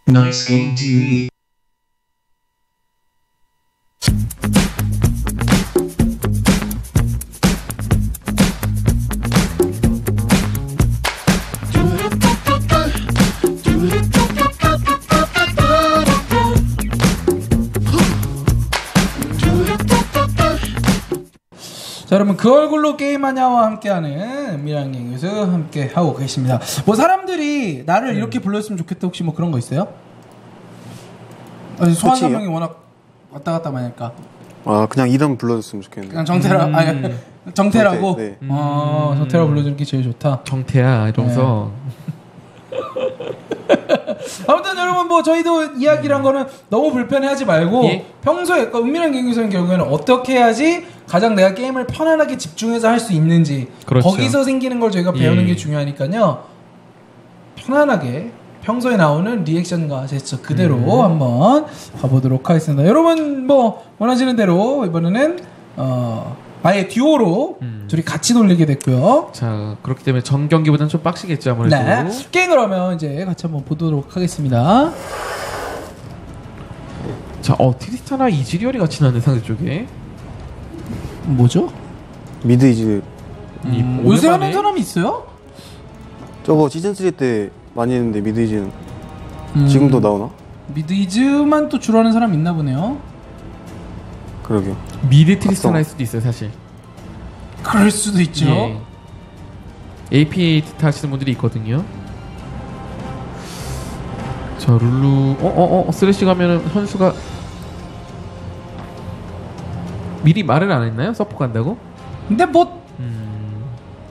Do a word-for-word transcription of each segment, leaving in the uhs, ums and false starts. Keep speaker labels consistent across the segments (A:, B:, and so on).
A: Nice game 티비.
B: 자, 여러분 그 얼굴로 게임하냐와 함께하는 은밀한 갱에서 함께 하고 계십니다. 뭐 사람들이 나를 이렇게 불렀으면 좋겠다 혹시 뭐 그런 거 있어요? 아니, 소환 설명이 워낙 왔다 갔다 많이 하니까.
C: 아, 그냥 이름 불러줬으면 좋겠는데.
B: 그냥 정태라,
C: 음.
B: 아니 정태라고.
C: 정태, 네.
B: 어, 정태라 불러주는 게 제일 좋다.
D: 정태야 이러면서.
B: 네. 아무튼 여러분 뭐 저희도 이야기란 거는 너무 불편해하지 말고
D: 예?
B: 평소에 그러니까 은밀한 갱에서의 경우에는 어떻게 해야지 가장 내가 게임을 편안하게 집중해서 할 수 있는지
D: 그렇죠.
B: 거기서 생기는 걸 저희가 배우는
D: 예.
B: 게 중요하니까요. 편안하게 평소에 나오는 리액션과 제스처 그대로
D: 음.
B: 한번 가보도록 하겠습니다. 여러분 뭐 원하시는 대로 이번에는 어 아예 듀오로
D: 음.
B: 둘이 같이 돌리게 됐고요.
D: 자, 그렇기 때문에 전 경기보다는 좀 빡시겠죠 아무래도.
B: 네. 게임 그러면 이제 같이 한번 보도록 하겠습니다.
D: 자, 어 트리스타나 이즈리얼이 같이 나는 상대 쪽에.
B: 뭐죠?
C: 미드 이즈.
B: 음,
D: 이
B: 요새
D: 오랜만에
B: 하는 사람이 있어요?
C: 저거 시즌삼 때 많이 했는데 미드 이즈는
B: 음,
C: 지금도 나오나?
B: 미드이즈만 또 주로 하는 사람 있나 보네요.
C: 그러게요.
D: 미드 트리스타나일 수도 있어요 사실.
B: 그럴 수도 있죠.
D: 예. 에이피에이 하시는 분들이 있거든요. 자, 룰루 어어어 어, 어, 쓰레쉬 가면은 현수가 미리 말을 안 했나요? 서포 간다고?
B: 근데 뭐
D: 음.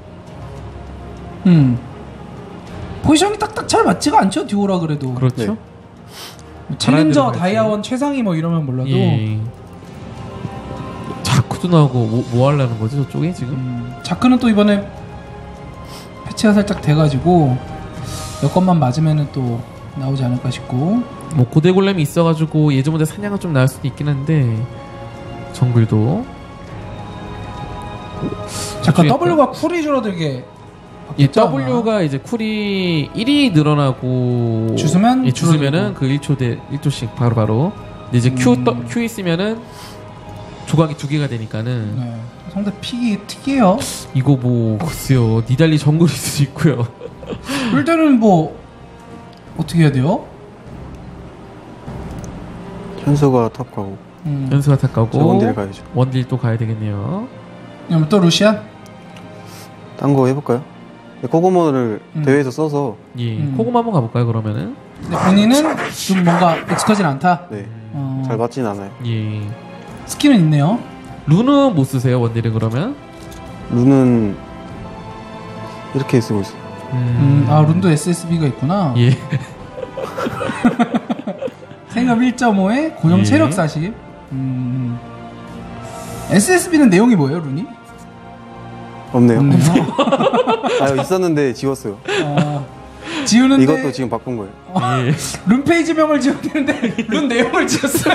B: 음. 포지션이 딱딱 잘 맞지가 않죠, 듀오라 그래도.
D: 그렇죠.
C: 네.
B: 뭐 챌린저,
D: 잘하는
B: 다이아원, 최상위 뭐 이러면 몰라도
D: 예. 자쿠도 나오고 뭐, 뭐 하려는 거지 저쪽에 지금?
B: 음, 자크는 또 이번에 패치가 살짝 돼가지고 여건만 맞으면은 또 나오지 않을까 싶고.
D: 뭐 고대 골렘이 있어가지고 예전보다 사냥은 좀 나을 수도 있긴 한데 정글도
B: 잠깐
D: 그쪽에
B: W가 쿨이 줄어들게
D: 이
B: 바뀌었죠,
D: W가 이제 쿨이 일이 늘어나고
B: 주스면
D: 예, 주스면은
B: 줄어들고.
D: 그 일 초 대 일 초씩 바로바로. 근데 이제 Q,
B: 음.
D: 떠, Q 있으면은 조각이 두 개가 되니까는
B: 네. 상대 픽이 특이해요.
D: 이거 뭐 글쎄요 니달리 정글일 수도 있고요.
B: 그럴 때는 뭐 어떻게 해야 돼요?
C: 현수가 탑 가고
B: 음.
D: 연수가 다
C: 저
D: 가고
C: 원딜 가야죠.
D: 원딜 또 가야 되겠네요.
B: 그럼 또 루시안?
C: 딴 거 해볼까요? 코고모를
B: 음.
C: 대회에서 써서
D: 예,
B: 음.
D: 코고마 한번 가볼까요 그러면은?
B: 근데 본인은 좀 뭔가 익숙하진 않다.
C: 네.
B: 어,
C: 잘 맞진 않아요.
D: 예.
B: 스킬은 있네요.
D: 루는 못 쓰세요 원딜은 그러면?
C: 룬은 이렇게 쓰고 있어요.
B: 음, 아 룬도 에스에스비가 있구나.
D: 예.
B: 생업 일 점 오에 고정
D: 예.
B: 체력 사십. 음. 에스에스비는 내용이 뭐예요, 룬이?
C: 없네요.
B: 없네요.
C: 아, 있었는데 지웠어요.
B: 아, 지우는데
C: 이것도 지금 바꾼 거예요.
D: 예.
B: 룬 페이지명을 지웠는데 룬 내용을 지웠어요.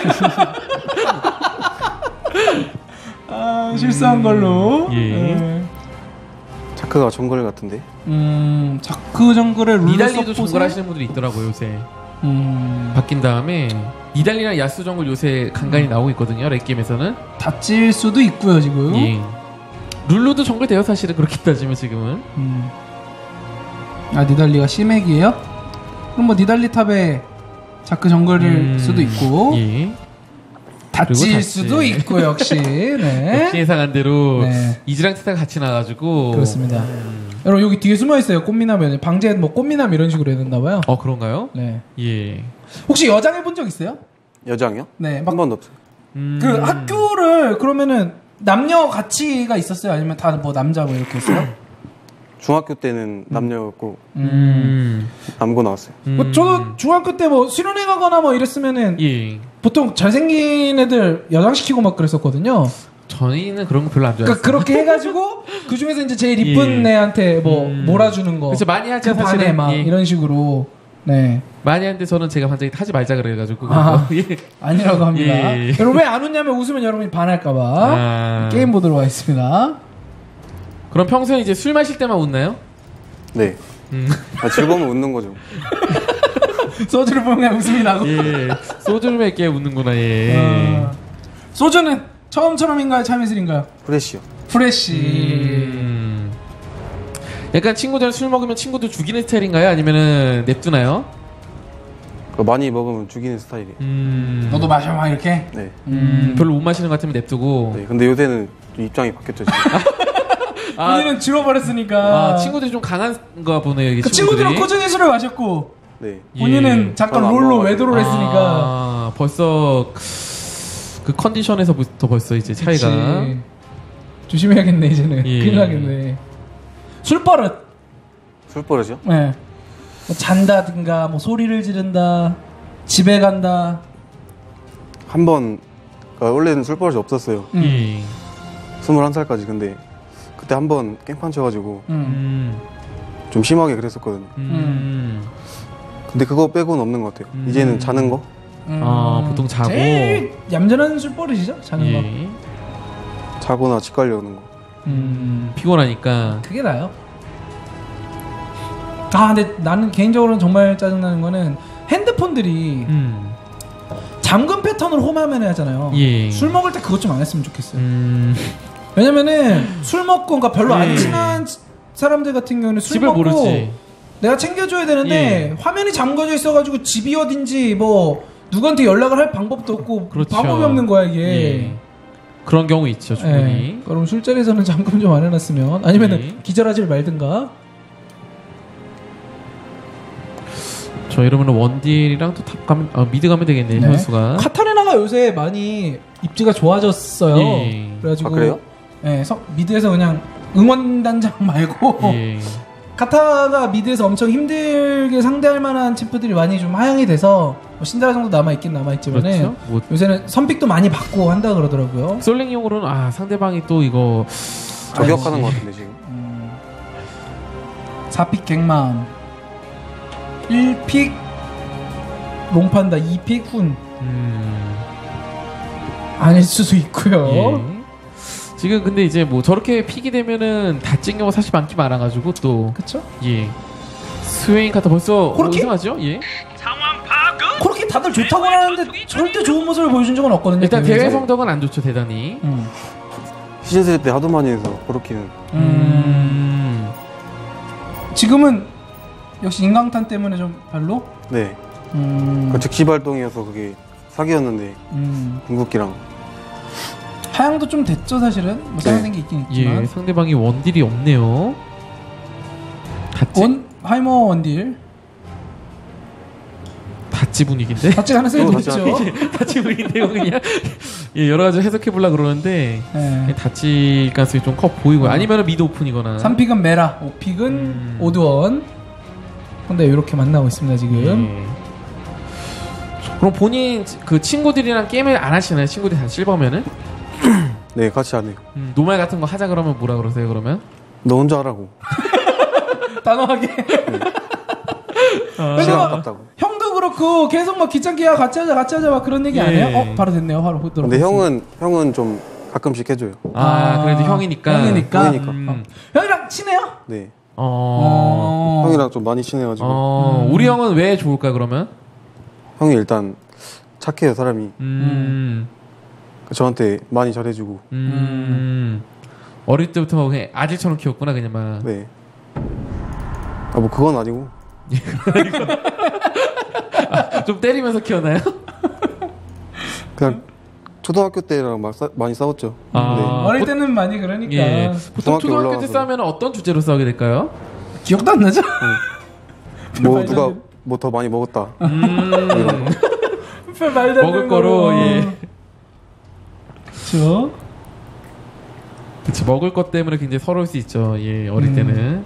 B: 아, 실수한 걸로.
D: 예.
B: 네.
C: 자크가 정글 같은데.
B: 음, 자크 정글의 룰
D: 니달리도 정글 하시는 분들이 있더라고요 요새.
B: 음,
D: 바뀐 다음에 니달리랑 야스 정글 요새 간간히 나오고 있거든요 렉게임에서는.
B: 다칠 수도 있고요 지금.
D: 예. 룰루도 정글 돼요 사실은 그렇게 따지면 지금은.
B: 음. 아 니달리가 시맥이에요? 그럼 뭐 니달리 탑에 자크 정글일
D: 음,
B: 수도 있고
D: 예.
B: 다칠
D: 그리고 다치.
B: 수도 있고 역시. 네.
D: 역시 예상한 대로
B: 네.
D: 이즈랑 티타가 같이 나가지고.
B: 그렇습니다.
D: 음.
B: 여러분 여기 뒤에 숨어 있어요. 꽃미남 방제 뭐 꽃미남 이런 식으로 해야 된다 봐요.
D: 어 그런가요?
B: 네.
D: 예.
B: 혹시 여장 해본 적 있어요?
C: 여장이요?
B: 네.
C: 한
B: 막
C: 번도 없어요.
D: 음.
B: 그 학교를 그러면은 남녀 같이가 있었어요? 아니면 다 뭐 남자 뭐 이렇게 했어요?
C: 중학교 때는 남녀였고
D: 음.
C: 남고 나왔어요.
D: 음.
B: 뭐 저도 중학교 때 뭐 수련회 가거나 뭐 이랬으면은
D: 예.
B: 보통 잘생긴 애들 여장시키고 막 그랬었거든요.
D: 저희는 그런 거 별로 안 좋아해요.
B: 그러니까 그렇게 해가지고 그 중에서 이제 제일 이쁜
D: 예.
B: 애한테 뭐
D: 음.
B: 몰아주는 거.
D: 그렇죠 많이 하죠
B: 그 반에
D: 사실은.
B: 막
D: 예.
B: 이런 식으로. 네.
D: 많이 하는데 저는 제가 반장이 하지 말자 그래가지고.
B: 아.
D: 예.
B: 아니라고 합니다.
D: 예.
B: 여러분 왜 안 웃냐면 웃으면 여러분이 반할까봐.
D: 아.
B: 게임 보도록 하겠습니다.
D: 그럼 평소에 이제 술 마실 때만 웃나요?
C: 네.
D: 음.
C: 아, 즐거우면 웃는 거죠.
B: 소주를 보면 웃음이 나고.
D: 예, 소주를 맺게 웃는구나. 예.
B: 어. 소주는 처음처럼인가요, 참이슬인가요?
C: 프레쉬요.
B: 프레쉬.
D: 음. 약간 친구들 술 먹으면 친구들 죽이는 스타일인가요? 아니면은 냅두나요?
C: 그거 많이 먹으면 죽이는 스타일이에요.
D: 음.
B: 너도 마셔 막 이렇게.
C: 네.
D: 음, 별로 못 마시는 것 같으면 냅두고.
C: 네. 근데 요새는 좀 입장이 바뀌었죠. 지금.
D: 아,
B: 본인은 줄어버렸으니까.
D: 아, 친구들이 좀 강한가 보네요. 이게
B: 그
D: 친구들이.
B: 친구들은 꾸준히 술을 마셨고
C: 네.
B: 본인은
D: 예.
B: 잠깐
C: 저는 안
B: 롤로
C: 먹어가지고.
B: 외도를 했으니까.
D: 아, 벌써 그 컨디션에서부터 벌써 이제 차이가.
B: 그치. 조심해야겠네 이제는.
D: 예.
B: 큰일 나겠네. 술버릇.
C: 술 버릇이요?
B: 네. 뭐 잔다든가 뭐 소리를 지른다. 집에 간다.
C: 한 번, 그러니까 원래는 술 버릇이 없었어요.
B: 음.
D: 예.
C: 스물한 살까지. 근데 그때 한 번 깽판 쳐가지고
B: 음.
D: 음.
C: 좀 심하게 그랬었거든요.
D: 음.
C: 근데 그거 빼고는 없는 것 같아요.
D: 음.
C: 이제는 자는 거?
B: 음.
D: 아, 보통 자고.
B: 제일 얌전한 술버릇이죠. 자는 거.
D: 예.
C: 자거나 집 가려는 거.
B: 음.
D: 피곤하니까.
B: 그게 나요. 아 근데 나는 개인적으로는 정말 짜증나는 거는 핸드폰들이
D: 음.
B: 잠금 패턴으로 홈화면에 하잖아요.
D: 예.
B: 술 먹을 때 그것 좀 안 했으면 좋겠어요.
D: 음.
B: 왜냐면은 술 먹고 그러니까 별로
D: 예.
B: 안 친한 사람들 같은 경우는 술
D: 집을
B: 먹고
D: 모르지.
B: 내가 챙겨줘야 되는데
D: 예.
B: 화면이 잠궈져 있어가지고 집이 어딘지 뭐 누구한테 연락을 할 방법도 없고
D: 그렇죠.
B: 방법이 없는 거야 이게.
D: 예. 그런 경우 있죠, 충분히.
B: 예. 그럼 술자리에서는 잠금 좀 안 해놨으면 아니면은
D: 예.
B: 기절하지 말든가.
D: 저 이러면 원딜이랑 또 탑 가면, 아, 미드 가면 되겠네,
B: 네.
D: 선수가.
B: 카타리나가 요새 많이 입지가 좋아졌어요.
D: 예.
B: 그래가지고
C: 아, 그래요?
B: 예, 서- 미드에서 그냥 응원단장 말고
D: 예.
B: 카타가 미드에서 엄청 힘들게 상대할 만한 챔프들이 많이 좀 하향이 돼서 뭐 신드라 정도 남아있긴 남아있지만은
D: 그렇죠. 뭐,
B: 요새는 선픽도 많이 받고 한다 그러더라고요.
D: 솔랭용으로는, 아, 상대방이 또 이거.
C: 저격하는 것 같은데 지금.
B: 음, 사 픽 갱마음 일 픽 롱판다 이 픽 훈
D: 음.
B: 아닐 수도 있고요.
D: 예. 지금 근데 이제 뭐 저렇게 픽이 되면은 다찐 경우 사실 많기 많아가지고 또.
B: 그쵸?
D: 예. 스웨인 카타 벌써
B: 그렇게?
D: 이상하죠? 예.
B: 그렇게 다들 좋다고 하는데 절대 좋은 모습을 보여준 적은 없거든요.
D: 일단 대회
B: 대회에서.
D: 성적은 안 좋죠, 대단히.
B: 음.
C: 시즌 쓰리 때 하도 많이 해서 그렇게는.
D: 음.
B: 지금은 역시 인강탄 때문에 좀 별로?
C: 네.
B: 음.
C: 그 즉시 발동이어서 그게 사기였는데
B: 음.
C: 궁극기랑.
B: 하향도 좀 됐죠 사실은. 뭐 사양된 게 있긴 있지만.
D: 예, 상대방이 원딜이 없네요. 다찌,
B: 원 하이머 원딜
D: 다찌 분위기인데?
B: 같이 가능성이
C: 어,
B: 높죠.
C: 다찌
D: 다찌 분위기인데요, 그냥. 예, 여러 가지 해석해보려고 그러는데,
B: 네.
D: 다찌 가능성이 좀 커 보이고요. 아니면 미드 오픈이거나.
B: 삼 픽은 메라, 오 픽은
D: 음.
B: 오드원. 근데 이렇게 만나고 있습니다 지금.
D: 예. 그럼 본인 그 친구들이랑 게임을 안 하시나요? 친구들이 다 실버면은?
C: 네, 같이 안 해요.
D: 음, 노말 같은 거 하자 그러면 뭐라 그러세요, 그러면?
C: 너 혼자 하라고.
B: 단호하게.
D: 아,
C: 시간
B: 막-
C: 아깝다고.
B: 형도 그렇고 계속 막 귀찮게 야 같이 하자 같이 하자 막 그런 얘기 안
D: 예.
B: 해요? 어 바로 됐네요. 바로 보도록.
C: 근데 형은 형은 좀 가끔씩 해줘요.
D: 아, 그래도 형이니까.
B: 형이니까.
C: 형이니까.
D: 음.
B: 형이랑 친해요?
C: 네.
D: 어.
B: 어.
C: 형이랑 좀 많이 친해가지고.
D: 어,
B: 음.
D: 우리 형은 왜 좋을까 그러면?
C: 형이 일단 착해요 사람이.
D: 음.
C: 저한테 많이 잘해주고.
D: 음. 어릴 때부터 그냥 아들처럼 키웠구나 그냥 막.
C: 네. 아 뭐 그건 아니고.
D: 아, 좀 때리면서 키웠나요?
C: 그냥 초등학교 때랑 막 싸, 많이 싸웠죠.
D: 아.
C: 네.
B: 어릴
D: 보-
B: 때는 많이 그러니까.
D: 예. 보통
C: 중학교
D: 초등학교 때
C: 올라와서.
D: 싸우면 어떤 주제로 싸우게 될까요?
B: 기억도 안 나죠?
C: 뭐
B: 말도
C: 누가
B: 안 돼.
C: 뭐 더 많이 먹었다.
D: 음.
B: 별 말도 안
D: 먹을
B: 되는
D: 거로,
B: 거로.
D: 예.
B: 그렇죠.
D: 그치, 먹을 것 때문에 굉장히 서러울 수 있죠. 예, 어릴
B: 음.
D: 때는.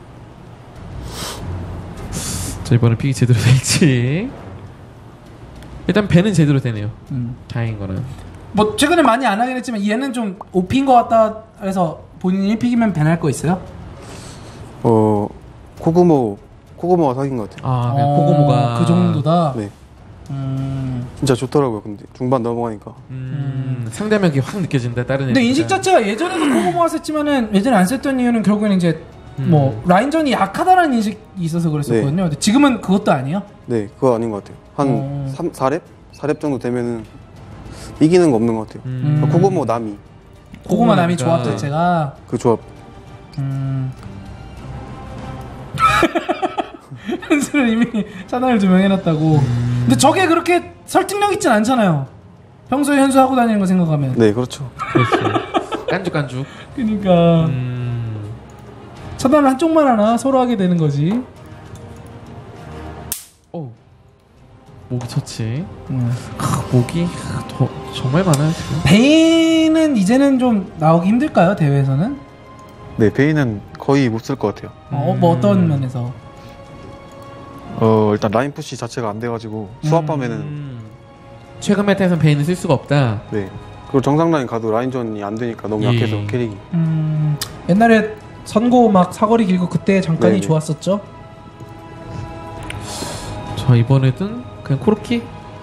D: 자, 이번에 픽이 제대로 될지. 일단 배는 제대로 되네요.
B: 음.
D: 다행인 거는.
B: 뭐 최근에 많이 안 하긴 했지만 얘는 좀 오피인 것 같다 해서 본인이 일 픽이면 밴할 거 있어요?
C: 어 코구모 코구모가 사귄 것 같아요.
D: 아, 그냥
B: 어,
D: 코고모가.
B: 그 정도다.
C: 네.
B: 음.
C: 진짜 좋더라고요. 근데 중반 넘어가니까.
D: 음, 상대명이 확 느껴진다, 다른
B: 근데
D: 애들보다.
B: 인식 자체가 예전에도 코고모가 썼지만은 예전에 안 썼던 이유는 결국엔 이제
D: 음.
B: 뭐 라인전이 약하다는 인식이 있어서 그랬었거든요. 근데 지금은 그것도 아니에요?
C: 네, 그거 아닌 것 같아요. 한
B: 어.
C: 삼, 사 렙? 사 렙 정도 되면은 이기는 거 없는 것 같아요.
D: 음.
C: 코고모 나미
B: 고구마 남이
D: 고구마니까.
B: 조합 자체가
C: 그 조합.
B: 음. 현수는 이미 차단을 두 명 해놨다고.
D: 음.
B: 근데 저게 그렇게 설득력 있진 않잖아요. 평소에 현수 하고 다니는 거 생각하면.
C: 네, 그렇죠.
D: 그렇죠. 깐죽깐죽.
B: 그러니까
D: 음.
B: 차단을 한쪽만 하나 서로 하게 되는 거지.
D: 오. 목이 좋지.
B: 음.
D: 크, 목이 더, 정말 많아요 지금.
B: 베인은 이제는 좀 나오기 힘들까요 대회에서는?
C: 네, 베인은 거의 못 쓸 것 같아요.
B: 어, 뭐 어떤
D: 음.
B: 면에서?
C: 어, 일단 라인 푸시 자체가 안 돼가지고 수압하면은
D: 음. 최근 메타에서는 베인을 쓸 수가 없다.
C: 네. 그리고 정상 라인 가도 라인전이 안 되니까 너무
D: 예.
C: 약해서 캐릭이.
B: 음, 옛날에 선고 막 사거리 길고 그때 잠깐이
C: 네네.
B: 좋았었죠.
D: 저 이번에든 그냥 코르키?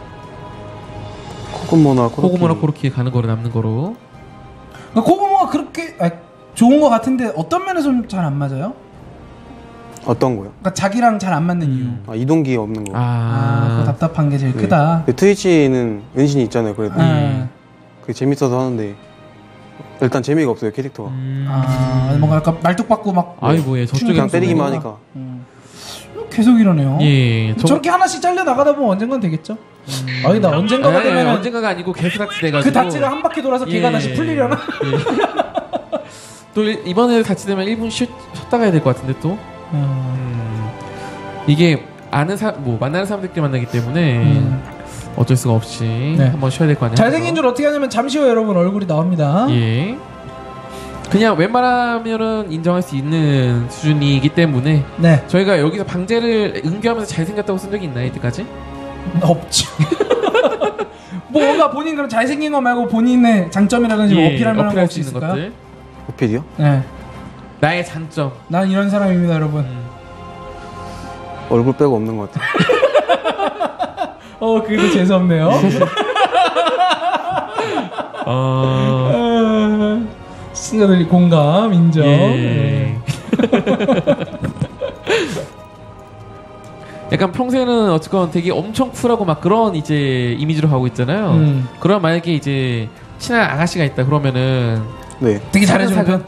C: 코고모나 코르키.
D: 코고모나 코르키 가는 거로 남는 거로.
B: 그러니까 코고모가 그렇게 아, 좋은 거 같은데 어떤 면에서 좀 잘 안 맞아요?
C: 어떤 거요?
B: 그러니까 자기랑 잘 안 맞는 이유.
C: 아, 이동기 없는 거.
B: 아,
D: 아,
B: 그거 답답한 게 제일
C: 네.
B: 크다.
C: 그 트위치는 은신이 있잖아요. 그래도
B: 네.
C: 그게 재밌어서 하는데 일단 재미가 없어요 캐릭터가.
D: 음.
B: 아, 뭔가 약간 말뚝박고 막
D: 아이고 예 저쪽에
C: 그냥
B: 무슨
C: 때리기만
B: 소리가.
C: 하니까.
B: 음. 계속 이러네요.
D: 예, 저-
B: 저렇게 하나씩 잘려 나가다 보면 언젠간 되겠죠. 아니다 언젠가가
D: 아니, 아니,
B: 되면
D: 언젠가가 아니고 계속 닥치돼가지고
B: 그 닥치가 한 바퀴 돌아서 걔가
D: 예.
B: 다시 풀리려나?
D: 예. 또 일- 이번에 닥치되면 일 분 쉬, 쉬었다 가야 될 것 같은데 또
B: 음.
D: 음, 이게 아는 사, 뭐 만나는 사람들끼리 만나기 때문에
B: 음.
D: 어쩔 수가 없이
B: 네.
D: 한번 쉬어야 될 거 아니에요.
B: 잘생긴 줄 어떻게 하냐면 잠시 후에 여러분 얼굴이 나옵니다.
D: 예. 그냥 웬만하면은 인정할 수 있는 수준이기 때문에
B: 네,
D: 저희가 여기서 방제를 은교하면서 잘생겼다고 쓴 적이 있나요 이때까지?
B: 없죠. 뭐 뭔가 본인 그런 잘생긴 거 말고 본인의 장점이라든지 뭐 어필할 만한 거
D: 어필할
B: 혹시
D: 수 있는
B: 있을까요?
D: 것들.
C: 오피디요?
B: 네,
D: 나의 장점.
B: 난 이런 사람입니다, 여러분.
D: 음.
C: 얼굴 빼고 없는 것 같아요.
B: 어, 그래도 재수 없네요.
D: 어...
B: 아, 시청자들이 공감, 인정.
D: 예. 약간 평소에는 어쨌건 되게 엄청 쿨하고 막 그런 이제 이미지로 가고 있잖아요.
B: 음.
D: 그럼 만약에 이제 친한 아가씨가 있다 그러면은
C: 네.
B: 되게 잘해주는 편.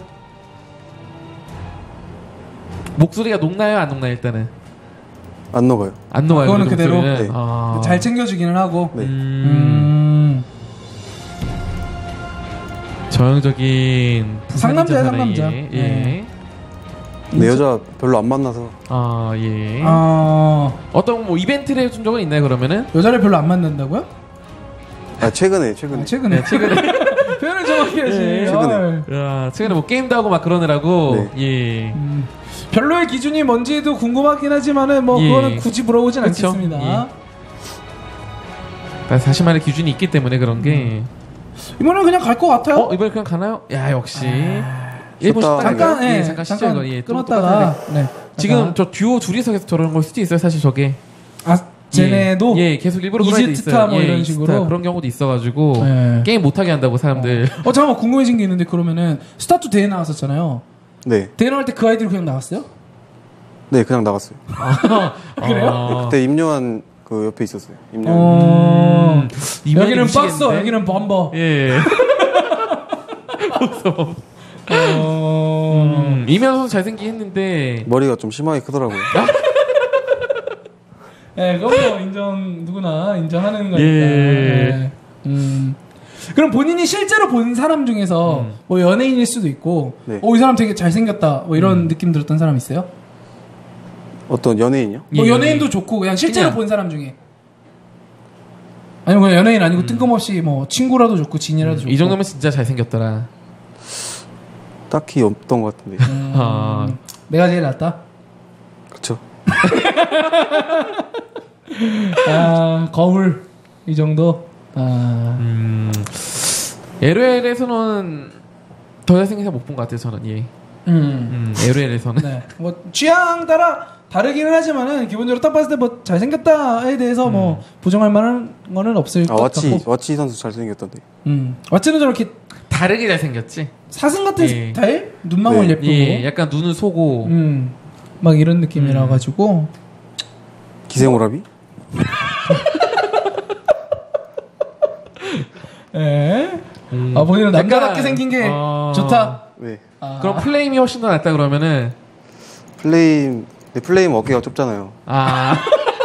D: 목소리가 녹나요 안 녹나요 일단은
C: 안 녹아요.
D: 안 녹아요.
B: 그거는
D: 그래도
B: 그대로?
D: 목소리는.
C: 네.
D: 아.
B: 잘 챙겨주기는 하고.
C: 네.
D: 음...
B: 음.
D: 저형적인
B: 상남자야,
D: 부산인
B: 상남자.
D: 사나이의, 예.
B: 네.
C: 근데 여자 별로 안 만나서
D: 아 예.
B: 어,
D: 어떤 뭐 이벤트를 해준 적은 있나요 그러면은?
B: 여자를 별로 안 만난다고요?
C: 아 최근에 최근에
B: 아, 최근에.
D: 네, 최근에
B: 표현을 정확히 하지.
D: 예,
C: 최근에.
B: 어이.
D: 야, 최근에 뭐 게임도 하고 막 그러느라고
C: 네.
D: 예.
B: 음, 별로의 기준이 뭔지도 궁금하긴 하지만은 뭐
D: 예.
B: 그거는 굳이 물어보진
D: 그쵸?
B: 않겠습니다.
D: 예. 자신만의 기준이 있기 때문에 그런 게.
B: 이번엔 그냥 갈 것 같아요.
D: 어 이번에 그냥 가나요? 야 역시 일본
C: 좋다.
D: 식당
B: 잠깐, 예,
D: 잠깐 쉬죠 이거 예, 좀
B: 끊었다가
D: 똑같은데.
B: 네.
D: 지금
B: 잠깐.
D: 저 듀오 둘이서 계속 저러는 걸 수도 있어요 사실 저게.
B: 아 쟤네도
D: 예, 예, 계속 일부러 그런 애도
B: 이즈트타
D: 있어요.
B: 뭐
D: 예,
B: 이런
D: 이즈트타
B: 식으로?
D: 그런 경우도 있어가지고
B: 예.
D: 게임 못하게 한다고 사람들.
B: 어 잠깐만 궁금해진 게 있는데 그러면은 스타투 대회 나왔었잖아요.
C: 네.
B: 대회 나올 때 그 아이들이 그냥 나왔어요?
C: 네 그냥 나갔어요.
B: 그래요?
D: 어,
C: 그때 임요한 그 옆에 있었어요. 임요한.
B: 어.
D: 음, 이면이
B: 여기는 박서,
D: 미치겠는데?
B: 여기는 범버.
D: 예.
B: 어.
D: 음, 이면 선수 잘생긴 했는데
C: 머리가 좀 심하게 크더라고요.
B: 예, 그건 뭐 인정 누구나 인정하는 거니까.
D: 예.
B: 예. 음. 그럼 본인이 실제로 본 사람 중에서
D: 음.
B: 뭐 연예인일 수도 있고,
C: 네.
B: 어, 이 사람 되게 잘생겼다, 뭐 이런
D: 음.
B: 느낌 들었던 사람 있어요?
C: 어떤 연예인이요?
B: 뭐
D: 예,
B: 연예인도 좋고 그냥 실제로
D: 그냥.
B: 본 사람 중에. 아니면 그냥 연예인 아니고
D: 음.
B: 뜬금없이 뭐 친구라도 좋고 지인이라도 좋고.
D: 이 정도면 진짜 잘생겼더라.
C: 딱히 없던 것 같은데.
B: 음,
D: 아.
B: 내가 제일 낫다.
C: 그쵸.
B: 아 거울 이 정도. 아.
D: 음, 엘오엘에서는 더 잘생긴 사람 못 본 것 같아요 저는. 예.
B: 음.
D: 음, 엘오엘에서는.
B: 네. 뭐 취향 따라 다르기는 하지만은 기본적으로 딱 봤을 때 뭐 잘생겼다에 대해서 뭐 부정할 만한 거는 없을
C: 아
B: 것
C: 와치
B: 같고.
C: 와치 선수 잘생겼던데.
B: 음. 왓츠는 저렇게
D: 다르게 잘생겼지.
B: 사슴 같은
D: 예.
B: 스타일? 눈망울
C: 네.
B: 예쁘고.
D: 예, 약간 눈을 쏘고.
B: 음. 막 이런 느낌이라
D: 음.
B: 가지고.
C: 기생오라비?
B: 예.
D: 음.
B: 아, 본인은 남자답게
D: 약간,
B: 생긴 게
D: 어.
B: 좋다.
C: 네.
B: 아.
D: 그럼 플레임이 훨씬 더 낫다 그러면은
C: 플레임, 네, 플레임 어깨가 좁잖아요.
D: 아,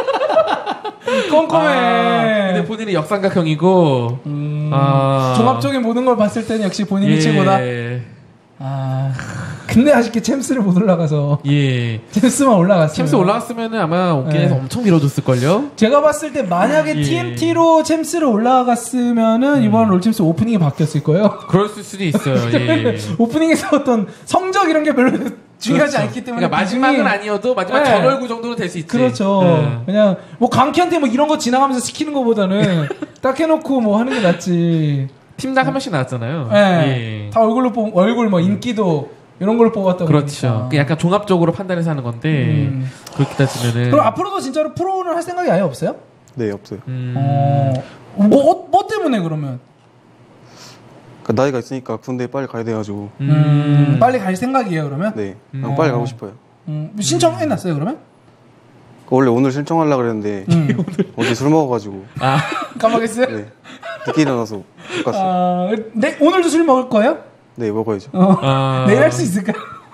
B: 꼼꼼해.
D: 아, 근데 본인이 역삼각형이고
B: 음,
D: 아.
B: 종합적인 모든 걸 봤을 때는 역시 본인이
D: 예.
B: 최고다. 아, 근데 아쉽게 챔스를 못 올라가서
D: 예.
B: 챔스만 올라갔어요.
D: 챔스 올라갔으면은 아마 오케이에서
B: 네.
D: 엄청 밀어줬을걸요?
B: 제가 봤을 때 만약에
D: 예.
B: 티엠티로 챔스를 올라갔으면은 이번 롤챔스 오프닝이 바뀌었을 거예요.
D: 그럴 수도 있어요. 예.
B: 오프닝에서 어떤 성적 이런 게 별로 중요하지
D: 그렇죠.
B: 않기 때문에
D: 그러니까 마지막은
B: 비중이-
D: 아니어도 마지막
B: 네.
D: 전월구 정도는 될 수 있지.
B: 그렇죠.
D: 예.
B: 그냥 뭐 강키한테 뭐 이런 거 지나가면서 시키는 것보다는 딱 해놓고 뭐 하는 게 낫지.
D: 팀당 한 명씩 나왔잖아요.
B: 예.
D: 예.
B: 다 얼굴로 뽑 얼굴 뭐 인기도 이런 걸로 뽑았다
D: 그렇죠.
B: 보니까.
D: 그 약간 종합적으로 판단해서 하는 건데
B: 음.
D: 그렇게 따지면은
B: 그럼 앞으로도 진짜로 프로를 할 생각이 아예 없어요?
C: 네, 없어요.
D: 음.
B: 어, 뭐, 어, 뭐 때문에 그러면?
C: 그 나이가 있으니까 군대에 빨리 가야 돼가지고.
D: 음.
B: 음, 빨리 갈 생각이에요 그러면?
C: 네,
D: 음.
C: 그냥 빨리 가고 싶어요.
B: 음, 신청해놨어요 그러면?
C: 그 원래 오늘 신청하려고 그랬는데
B: 음.
C: 어제 술 먹어가지고
D: 아,
B: 까먹었어요?
C: 네, 늦게 일어나서 못 갔어요.
B: 아, 네, 오늘도 술 먹을 거예요?
C: 네, 먹어야죠.
B: 어.
D: 아.
B: 내일 할 수 있을까?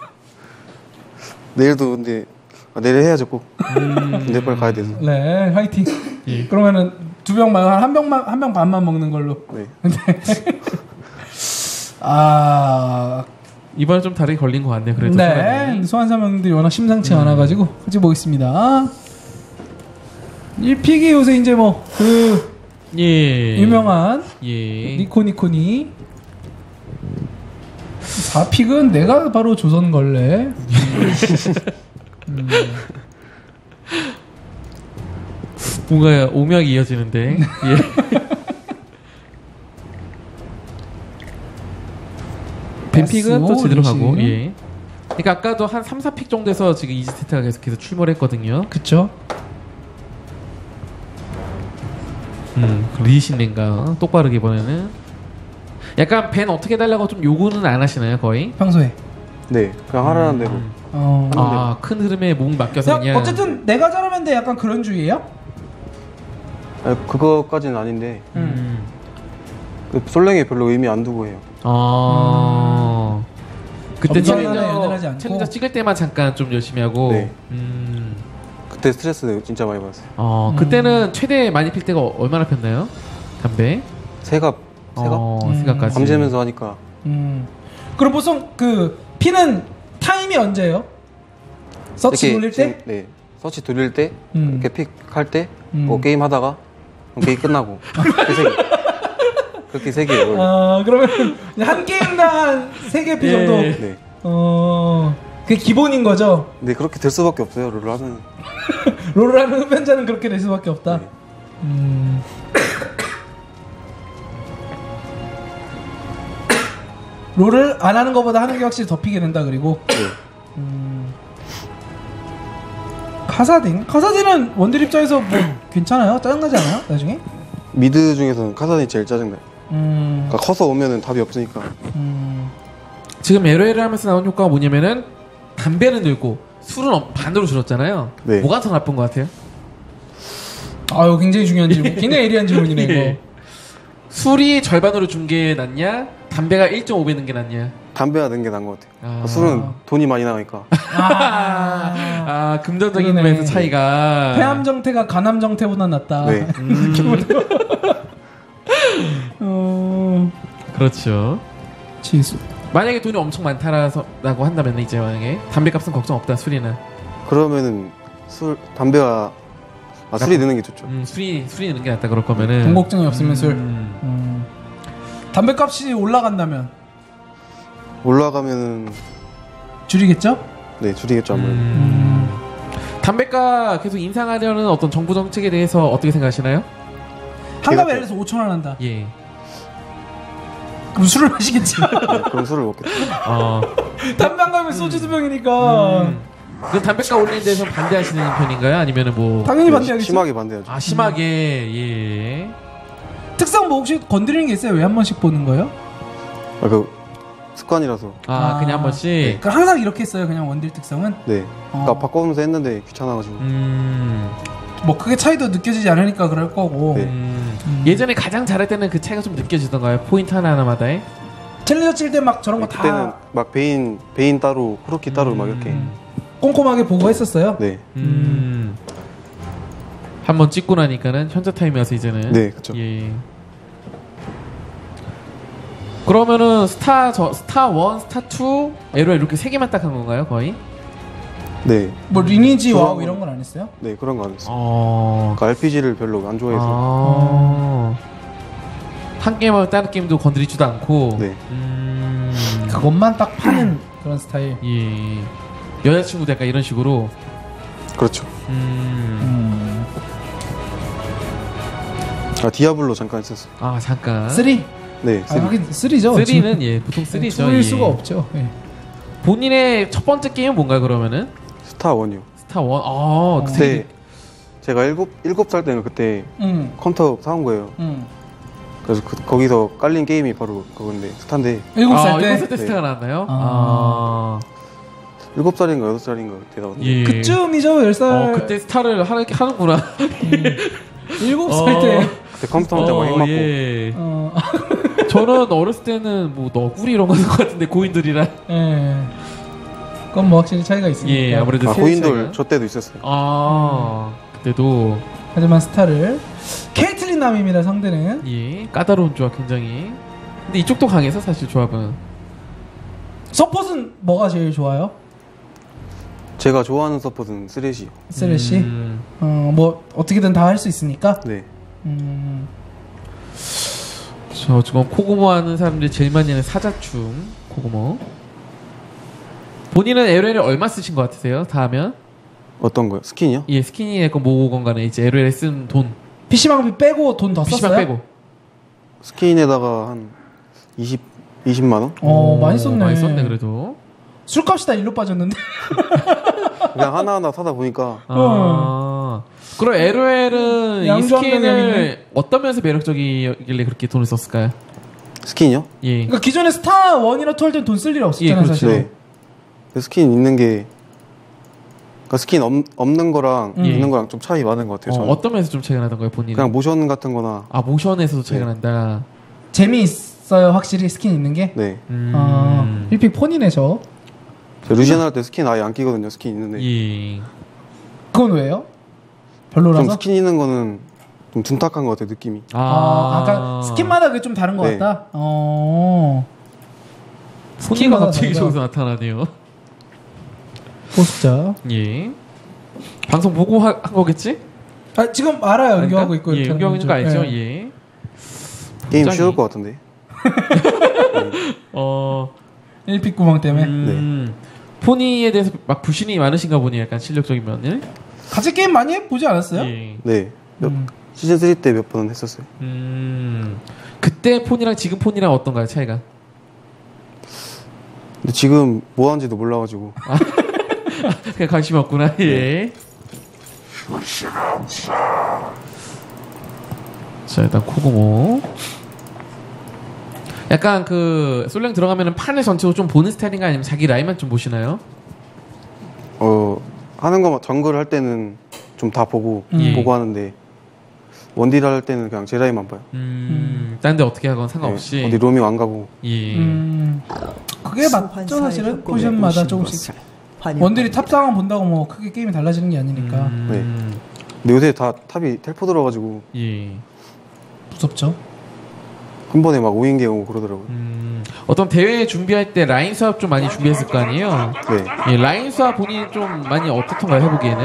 C: 내일도 근데 아, 내일 해야죠 꼭. 군대 빨리 가야 돼서.
B: 네, 화이팅.
D: 예.
B: 그러면은 두 병 말고 한 병만 한 병 반만 먹는 걸로.
C: 네.
B: 아,
D: 이번에 좀 다르게 걸린 것 같네요. 그래도
B: 네,
D: 사람이.
B: 소환사명들이 워낙 심상치 않아가지고 같이 보겠습니다. 일 픽이 요새 이제 뭐 그
D: 예.
B: 유명한
D: 예.
B: 니코니코니. 사 픽은 내가 바로 조선걸레. 음.
D: 뭔가 오명이 이어지는데. 예. 벤픽은 또 제대로 가고. 예. 그러니까 아까도 한 삼, 사 픽 정도에서 지금 이지스테트가 계속해서 출몰을 했거든요.
B: 그쵸?
D: 음, 리신인가 똑바르게 이번에는. 약간 벤 어떻게 달라고 좀 요구는 안 하시나요, 거의?
B: 평소에.
C: 네, 그냥 하라는 대로.
B: 어.
D: 아, 큰 흐름에 몸 맡겨서
B: 그냥
D: 그냥.
B: 어쨌든 내가 잘하면 돼 약간 그런 주의예요?
C: 아, 그거까지는 아닌데
D: 음.
C: 그 솔랭에 별로 의미 안 두고 해요.
D: 아. 그때
B: 엄청나게
D: 챌린저,
B: 연연하지 않고.
D: 챌린저 찍을 때만 잠깐 좀 열심히 하고.
C: 네.
D: 음.
C: 그때 스트레스 진짜 많이 받았어요.
D: 어,
B: 음.
D: 그때는 최대 많이 필 때가 얼마나 폈나요? 담배?
C: 새갑, 새갑
D: 어,
B: 음.
D: 생각까지.
C: 밤새면서 하니까
B: 음. 그럼 보통 그 피는 타임이 언제예요? 서치
C: 이렇게
B: 돌릴 때?
C: 지금, 네, 서치 돌릴 때
B: 음.
C: 이렇게 픽 할 때 뭐
B: 음.
C: 게임 하다가 그럼 게임 끝나고 그렇게 세 개. 그렇게 세 개예요.
B: 아 그러면 한 게임당 세 개 피
D: 예.
B: 정도.
C: 네.
B: 어 그게 기본인 거죠.
C: 네, 그렇게 될 수밖에 없어요. 롤을 하면.
B: 롤을 하는 흡연자는 그렇게 될 수밖에 없다.
C: 네.
B: 음. 롤을 안 하는 것보다 하는 게 확실히 더 피게 된다 그리고.
C: 네.
B: 음. 카사딘? 카사딘은 원딜 입장에서 뭐 괜찮아요? 짜증나지 않아요? 나중에?
C: 미드 중에서는 카산이 제일 짜증나요.
B: 음.
C: 그러니까 커서 오면은 답이 없으니까.
B: 음.
D: 지금 에러에를 하면서 나온 효과가 뭐냐면은 담배는 늘고 술은 어- 반으로 줄었잖아요.
C: 네.
D: 뭐가 더 나쁜 것 같아요?
B: 아유 굉장히 중요한 질문. 굉장히 예리한 질문이네 이거.
D: 예. 술이 절반으로 준 게 낫냐? 담배가 일 점 오 배 는 게 낫냐?
C: 담배가 는 게 나은 것 같아요.
D: 아.
C: 술은 돈이 많이 나가니까.
B: 아.
D: 아, 금전적인
B: 그러네.
D: 면에서 차이가.
B: 폐암 정태가 간암 정태보다 낫다.
C: 네.
D: 음,
B: 어.
D: 그렇죠.
B: 지수.
D: 만약에 돈이 엄청 많다라고 한다면 이제 만약에 담배값은 걱정 없다 술이는.
C: 그러면은 술 담배가 아, 술이 드는 게 좋죠.
D: 음, 술이 술이 있는 게 낫다 그럴 거면은.
B: 돈 걱정이 없으면 술.
D: 음.
B: 음. 담배값이 올라간다면
C: 올라가면은
B: 줄이겠죠?
C: 네, 줄이겠죠 아무래도.
D: 음. 담배가 계속 인상하려는 어떤 정부 정책에 대해서 어떻게 생각하시나요?
B: 한갑에 예를 들어서 오천 원 한다.
D: 예.
B: 그럼 술을 마시겠지.
C: 네, 그럼 술을 먹겠죠.
D: 어.
B: 담배 한 갑에 소주 두 병이니까
D: 음. 그 담배가 올리는 데서 반대하시는 편인가요? 아니면은 뭐.
B: 당연히
C: 네,
B: 반대하겠지.
C: 심하게 반대하죠.
D: 아 심하게 예.
B: 특성 뭐 혹시 건드리는 게 있어요? 왜 한 번씩 보는 거예요?
C: 아, 그 습관이라서.
D: 아, 그냥 한 번씩.
B: 그러니까 항상 이렇게 했어요. 그냥 원딜 특성은.
C: 네.
B: 어.
C: 그러니까 바꿔보면서 했는데 귀찮아가지고.
D: 음.
B: 뭐 크게 차이도 느껴지지 않으니까 그럴 거고.
C: 네.
D: 음.
B: 음.
D: 예전에 가장 잘할 때는 그 차이가 좀 느껴지던가요? 포인트 하나하나마다에?
B: 챌린저 칠 때 막 저런 거
C: 그때는
B: 다
C: 막 베인 베인 따로 크로키 따로 막 이렇게.
D: 음.
B: 꼼꼼하게 보고 했었어요.
C: 네.
D: 음. 한 번 찍고 나니까는 현자 타임이 와서 이제는.
C: 네, 그렇죠.
D: 예. 그러면은 스타 저 스타 원, 스타 투, 에로 이렇게 세 개만 딱 한 건가요, 거의?
C: 네.
B: 뭐 리니지
C: 좋아.
B: 와우 이런 건 안 했어요?
C: 네, 그런 거 안 했어요.
D: 어.
C: 그러니까 알피지를 별로 안 좋아해서.
D: 아. 한 게임하면 다른 게임도 건드리지도 않고.
C: 네.
D: 음.
B: 그것만 딱 파는 그런 스타일.
D: 예. 여자친구도 약간 이런 식으로.
C: 그렇죠.
D: 음.
B: 음.
C: 아, 디아블로 잠깐 했었어요.
D: 아, 잠깐.
B: 쓰리?
C: 네,
B: 아,
C: 쓰리.
B: 하긴 쓰리죠.
D: 쓰리는 예, 보통 쓰리죠.
B: 일
D: 예.
B: 수가 없죠. 예.
D: 본인의 첫 번째 게임은 뭔가요, 그러면은?
C: 스타 원이요.
D: 스타 원. 아, 그때
C: 그때 제가 일곱 일곱 살 때는 그때
B: 응.
C: 컴퓨터 사온 거예요.
B: 응.
C: 그래서 그, 거기서 깔린 게임이 바로 그건데 스타인데
B: 일곱 살
D: 아,
B: 때.
D: 일곱 살 때
C: 네.
D: 스타가 나왔나요?
B: 아.
D: 아.
C: 일곱 살인가 여덟 살인가 그때 나왔는데
D: 예.
B: 그쯤이죠. 열 살.
D: 어, 그때 스타를 하는 하는구나.
B: 일곱
D: 어.
B: 살 때.
C: 그때 컴퓨터 혼자 막핵 맞고
D: 예.
B: 어.
D: 저는 어렸을 때는 뭐 너구리 이런 거 하는 것 같은데 고인돌이랑.
B: 예. 그건 뭐 확실히 차이가 있으니까.
D: 예, 아무래도
C: 아,
D: 세대
C: 고인돌
D: 차이가.
C: 저 때도 있었어요.
D: 아, 그때도
B: 하지만 스타를 케이틀린 남입니다. 상대는.
D: 예, 까다로운 조합 굉장히. 근데 이쪽도 강해서 사실 조합은.
B: 서폿은 뭐가 제일 좋아요?
C: 제가 좋아하는 서폿은 쓰레시요.
B: 쓰레쉬.
D: 음.
B: 어, 뭐 어떻게든 다 할 수 있으니까.
C: 네.
B: 음.
D: 저 지금 코고모 하는 사람들이 제일 많이 하는 사자춤 코고모. 본인은 엘오엘을 얼마 쓰신 것 같으세요? 다 하면?
C: 어떤 거요? 스킨이요?
D: 예, 스키니의 건 뭐건 간에 이제 엘오엘에 쓴 돈.
B: 피시방비 빼고 돈 더
D: 피시방
B: 썼어요?
D: 빼고.
C: 스킨에다가 한 이십 이십만 원?
B: 어, 많이 썼네.
D: 많이 썼네 그래도.
B: 술값이 다 일로 빠졌는데.
C: 그냥 하나하나 사다 보니까
D: 아. 그럼 엘오엘은 이
B: 양조한 명이
D: 스킨을
B: 있네.
D: 어떤 면에서 매력적이길래 그렇게 돈을 썼을까요?
C: 스킨이요?
D: 예.
B: 그러니까 기존에 스타 원이나 투 할 땐 돈 쓸 일이 없었잖아요,
D: 예, 그렇죠.
B: 사실.
C: 네. 그 스킨 있는 게 그러니까 스킨 없, 없는 거랑
B: 음.
C: 있는 거랑 좀 차이 많은 것 같아요.
D: 어,
C: 저는.
D: 어떤 면에서 좀 차이가 나던가요, 본인은?
C: 그냥 모션 같은 거나
D: 아, 모션에서도 차이가
C: 네.
D: 난다.
B: 재미있어요, 확실히 스킨 있는 게.
C: 네.
D: 음.
B: 아, 일픽 폰이네, 저.
C: 저 루시안 할 때 스킨 아예 안 끼거든요. 스킨 있는데
D: 예.
B: 그건 왜요?
C: 좀
B: 별로라서?
C: 스킨 있는 거는 좀 둔탁한 것 같아요. 느낌이.
B: 아, 아까 스킨마다 그게 좀 다른 것
C: 네.
B: 같다? 어.
D: 손이가
B: 스킨마다
D: 갑자기
B: 다르다.
D: 저기서 나타나네요.
B: 보습자.
D: 예. 방송 보고 하, 한 거겠지?
B: 아, 지금 알아요. 연결하고 있고.
D: 예,
B: 이렇게
D: 연결하고 있는 거
B: 하는
D: 알죠?
B: 거죠. 예.
D: 예.
C: 게임
D: 굉장히-
C: 쉬울 것 같은데.
D: 어.
B: 일픽 구멍 때문에.
D: 음. 포니에 대해서 막 부신이 많으신가 보니 약간 실력적인 면을.
B: 같이 게임 많이 해보지 않았어요?
D: 예.
C: 네. 몇,
B: 음.
C: 시즌 쓰리 때 몇 번 했었어요.
D: 음. 그때 폰이랑 지금 폰이랑 어떤가요, 차이가?
C: 근데 지금 뭐 하는지도 몰라가지고.
D: 그냥 관심 없구나. 예. 자, 일단 코고모. 약간 그 솔랭 들어가면은 판을 전체로 좀 보는 스타일인가 아니면 자기 라인만 좀 보시나요?
C: 어 하는 거 정글 할 때는 좀 다 보고
B: 음.
C: 보고 하는데 원딜 할 때는 그냥 제 라인만 봐요.
D: 음. 딴 데 어떻게 하건 상관없이.
C: 네, 어디 로밍 안 가고.
D: 예.
B: 음. 그게 맞죠, 사실은. 포지션마다 조금씩. 원딜이 탑상황 본다고 뭐 크게 게임이 달라지는 게 아니니까.
D: 음.
C: 근데 요새 다 탑이 텔포 들어가지고
D: 예.
B: 무섭죠.
C: 한 번에 막 오인계 오고 그러더라고요.
D: 음. 어떤 대회 준비할 때 라인 수업 좀 많이 준비했을 거 아니에요?
C: 네.
D: 예, 라인 수업 본인이 좀 많이 어떻던가요, 해보기에는?